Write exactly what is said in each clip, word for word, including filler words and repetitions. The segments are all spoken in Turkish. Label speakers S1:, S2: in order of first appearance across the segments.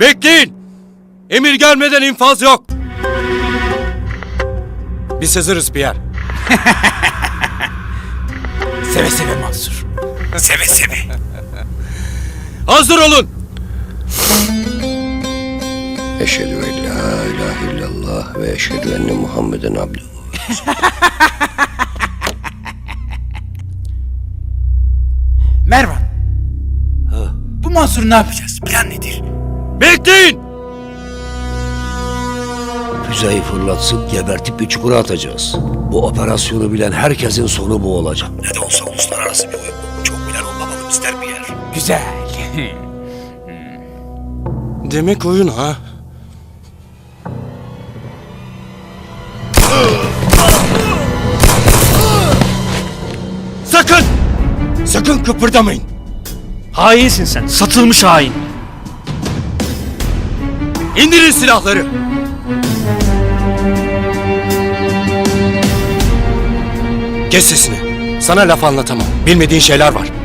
S1: Bekleyin! Emir gelmeden infaz yok. Biz hazırız Pierre.
S2: Seve seve Mansur. Seve seve.
S1: Hazır olun!
S3: Eşhedü en la ilahe illallah ve eşhedü enne Muhammeden abduhu.
S2: Mervan. Bu Mansur'u ne yapacağız? Plan nedir?
S1: Bekleyin!
S3: Füzeyi fırlatsıp gebertip bir çukura atacağız. Bu operasyonu bilen herkesin sonu bu olacak. Ne de olsa uluslararası bir oyun bu. Çok bilen olmamalı ister bir yer.
S2: Güzel.
S1: Demek oyun ha? Sakın! Sakın kıpırdamayın.
S4: Hainsin sen. Satılmış hain.
S1: İndirin silahları. Kes sesini. Sana laf anlatamam. Bilmediğin şeyler var.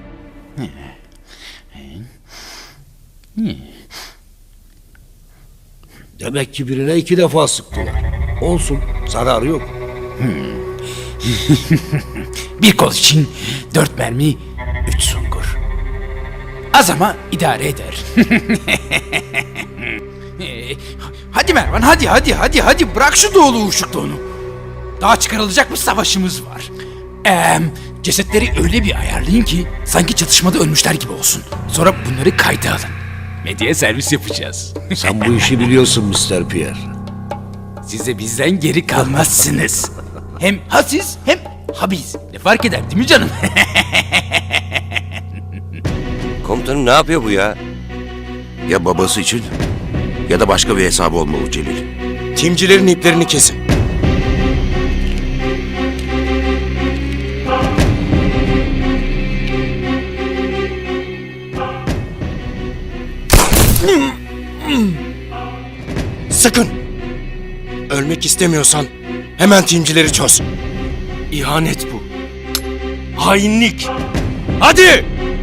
S3: Demek ki birine iki defa sıktılar. Olsun, zararı yok.
S2: Bir kol için dört mermi, üç sungur. Az ama idare eder. Hadi Mervan, hadi hadi hadi hadi bırak şu doğulu uşukluğunu. Daha çıkarılacak bir savaşımız var. Ee, cesetleri öyle bir ayarlayın ki sanki çatışmada ölmüşler gibi olsun. Sonra bunları kayda alın. Medyaya servis yapacağız.
S3: Sen bu işi biliyorsun mister Pierre.
S2: Size bizden geri kalmazsınız. Hem hasiz hem habiz. Ne fark eder değil mi canım?
S5: Komutanım ne yapıyor bu ya? Ya babası için ya da başka bir hesabı olmalı Celil.
S1: Timcilerin iplerini kesin. Sakın! Ölmek istemiyorsan hemen timcileri çöz. İhanet bu. Hainlik. Hadi!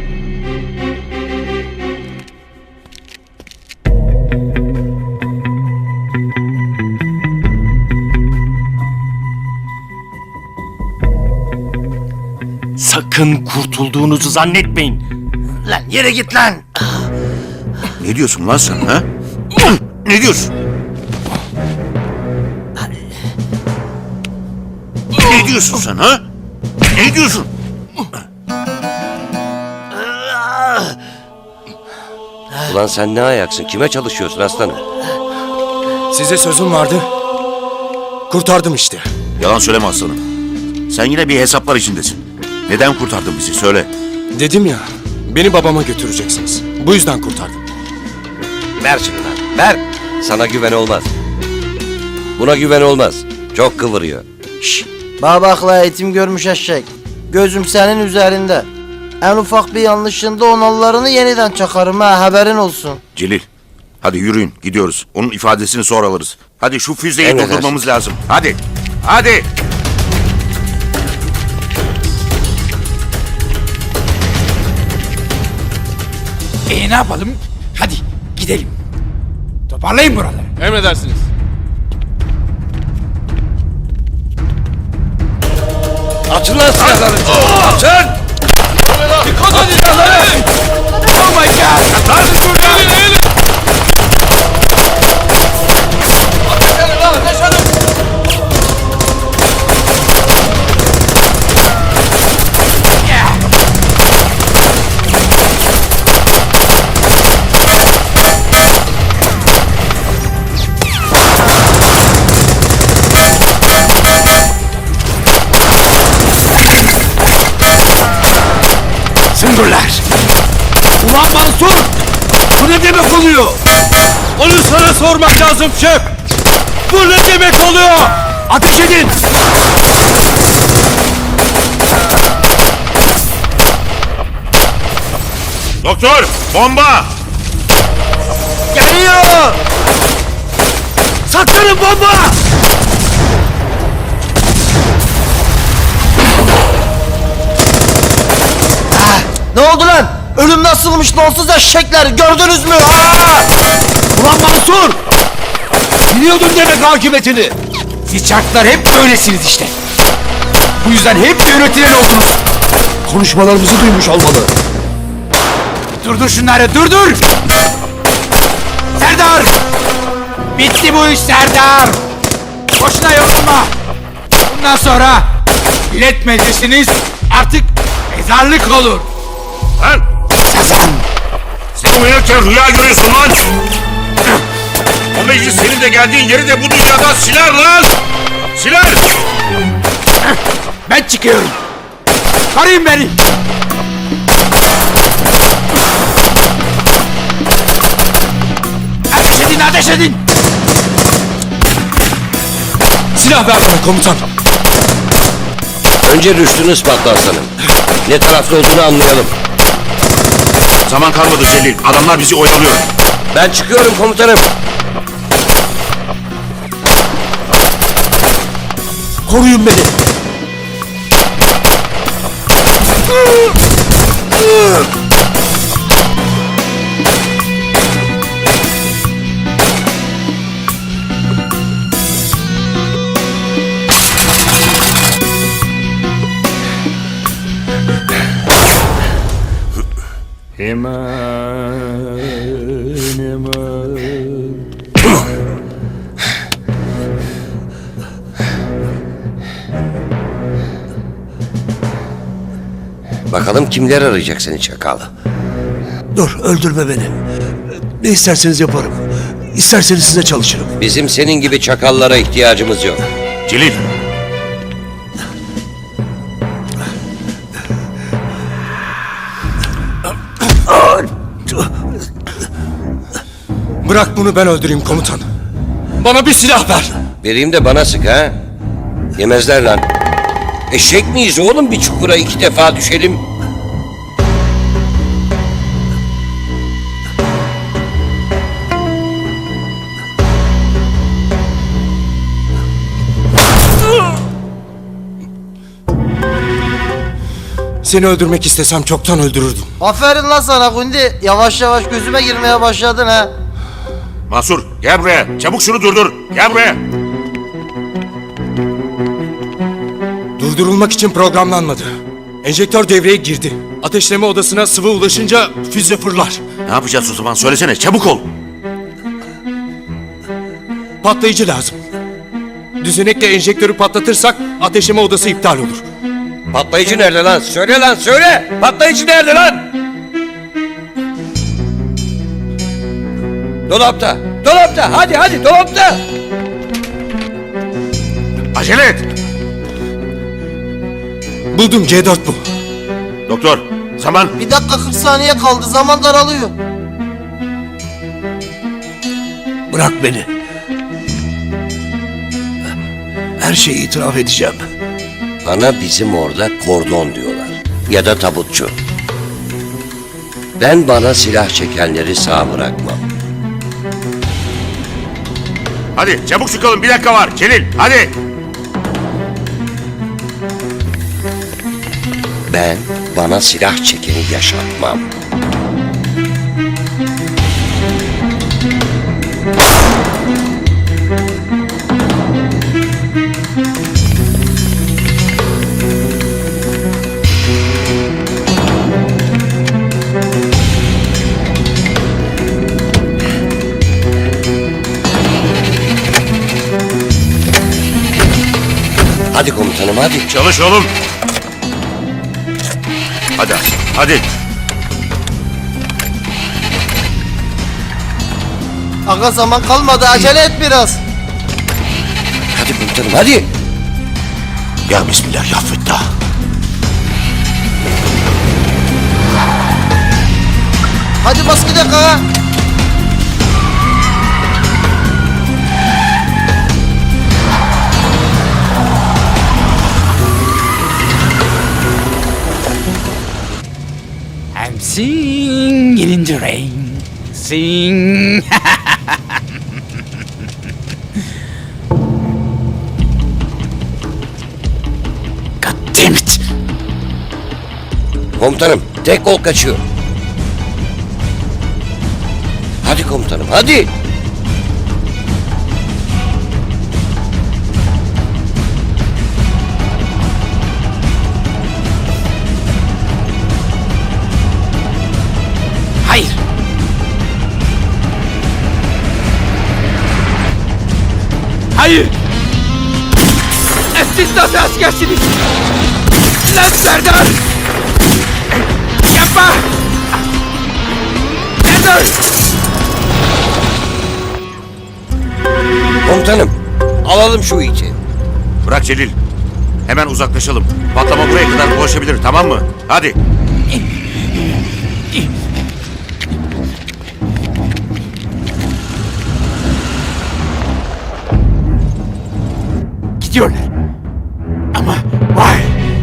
S4: Sakın kurtulduğunuzu zannetmeyin.
S5: Lan yere git lan! Ne diyorsun lan sen ha? Ne diyorsun? Ne diyorsun sen ha? Ne diyorsun?
S3: Ulan sen ne ayaksın? Kime çalışıyorsun aslanım?
S1: Size sözüm vardı. Kurtardım işte.
S5: Yalan söyleme aslanım. Sen yine bir hesaplar içindesin. Neden kurtardın bizi söyle.
S1: Dedim ya, beni babama götüreceksiniz. Bu yüzden kurtardım.
S3: Ver şunu lan, ver. Sana güven olmaz. Buna güven olmaz. Çok kıvırıyor.
S6: Şşş, babakla eğitim görmüş eşek. Gözüm senin üzerinde. En ufak bir yanlışında onallarını yeniden çakarım ha, haberin olsun.
S5: Celil, hadi yürüyün gidiyoruz. Onun ifadesini sonra alırız. Hadi şu füzeyi
S3: Emredersin.
S5: durdurmamız lazım. Hadi, hadi.
S2: E ne yapalım? Hadi gidelim. Toparlayın buraları.
S1: Emredersiniz.
S3: Açın lan silahları. Açın!
S1: Dikkat edin silahları!
S2: Oh my god!
S1: Lan şuradan!
S2: Süngürler!
S1: Ulan Mansur! Bu ne demek oluyor? Onu sana sormak lazım şef! Bu ne demek oluyor? Ateş edin!
S5: Doktor, bomba!
S1: Geliyor! Saklanın bomba!
S6: Ne oldu lan? Ölüm nasılmış nonsuz eşekler gördünüz mü? Ha!
S1: Ulan Mansur! Biliyordun demek akıbetini.
S2: Siz çarklar hep böylesiniz işte. Bu yüzden hep yönetilen oldunuz.
S3: Konuşmalarımızı duymuş olmalı.
S2: Durdur şunları, durdur! Serdar! Bitti bu iş Serdar! Boşuna yorulma! Bundan sonra millet meclisiniz artık mezarlık olur.
S5: Lan!
S2: Sazan!
S5: Sen uyurken rüya görüyorsun lan! O meclis senin de geldiğin yeri de bu dünyadan siler lan! Siler!
S2: Ben çıkıyorum. Koruyun beni. Ateş edin, ateş edin.
S1: Silah ver bana komutan.
S5: Önce rüştünü ispatla aslanım. Ne tarafta olduğunu anlayalım. Zaman kalmadı Celil. Adamlar bizi oyalıyor. Ben çıkıyorum komutanım.
S1: Koruyun beni.
S5: Bakalım kimler arayacak seni çakal.
S3: Dur öldürme beni. Ne isterseniz yaparım. İsterseniz size çalışırım.
S5: Bizim senin gibi çakallara ihtiyacımız yok. Celil.
S1: Bırak bunu ben öldüreyim komutan. Bana bir silah ver.
S5: Vereyim de bana sık ha. Yemezler lan. Eşek miyiz oğlum bir çukura iki defa düşelim.
S1: Seni öldürmek istesem çoktan öldürürdüm.
S6: Aferin lan sana Gundi. Yavaş yavaş gözüme girmeye başladın ha.
S5: Mansur gel buraya. Çabuk şunu durdur. Gel buraya.
S1: Durdurulmak için programlanmadı. Enjektör devreye girdi. Ateşleme odasına sıvı ulaşınca füze fırlar.
S5: Ne yapacağız o zaman söylesene çabuk ol.
S1: Patlayıcı lazım. Düzenekle enjektörü patlatırsak ateşleme odası iptal olur.
S5: Patlayıcı nerede lan? Söyle lan söyle. Patlayıcı nerede lan? Dolapta. Dolapta. Hadi hadi dolapta. Acele et.
S1: Buldum C dört bu.
S5: Doktor zaman.
S6: Bir dakika kırk saniye kaldı. Zaman daralıyor.
S3: Bırak beni. Her şeyi itiraf edeceğim.
S5: Bana bizim orada kordon diyorlar. Ya da tabutçu. Ben bana silah çekenleri sağ bırakmam. Hadi çabuk çıkalım bir dakika var. Celil hadi. Ben bana silah çekeni yaşatmam. Hadi komutanım hadi. Çalış oğlum. Hadi hadi.
S6: Aga zaman kalmadı. Acele et biraz.
S5: Hadi komutanım hadi.
S3: Ya Bismillah ya Fettah.
S6: Hadi bas gidelim ha.
S2: I'm singing in the rain. Sing. God damn it.
S5: Komutanım tek kol kaçıyor.
S3: Hadi komutanım hadi.
S2: Hayır. Hayır. E, Siz nasıl askersiniz? Lan Serdar! Yapma! Serdar!
S3: Komutanım alalım şu iti.
S5: Bırak Celil. Hemen uzaklaşalım. Patlama buraya kadar ulaşabilir, tamam mı? Hadi.
S2: Gidiyorlar. Ama vay!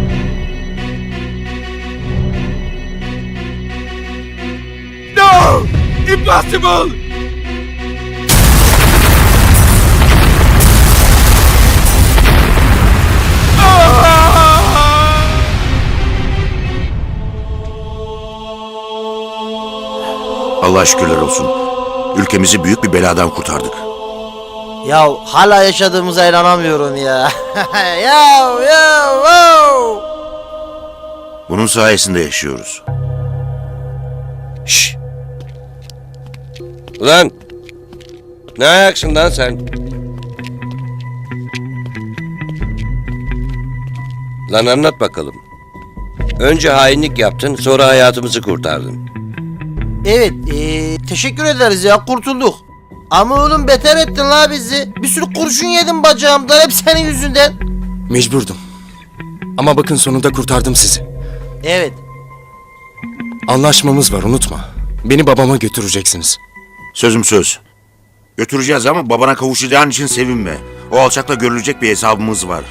S2: No! Impossible!
S5: Allah'a şükürler olsun. Ülkemizi büyük bir beladan kurtardık.
S6: Ya hala yaşadığımıza inanamıyorum ya. ya ya wow.
S5: Bunun sayesinde yaşıyoruz.
S3: Şşş. Ulan. Ne ayaksın lan sen? Lan anlat bakalım. Önce hainlik yaptın, sonra hayatımızı kurtardın.
S6: Evet, ee, teşekkür ederiz ya, kurtulduk. Ama oğlum beter ettin la bizi. Bir sürü kurşun yedim bacağımdan, hep senin yüzünden.
S7: Mecburdum. Ama bakın sonunda kurtardım sizi.
S6: Evet.
S7: Anlaşmamız var unutma. Beni babama götüreceksiniz.
S5: Sözüm söz. Götüreceğiz ama babana kavuşacağın için sevinme. O alçakla görülecek bir hesabımız var.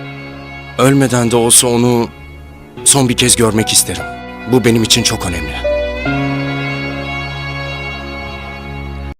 S7: Ölmeden de olsa onu son bir kez görmek isterim. Bu benim için çok önemli.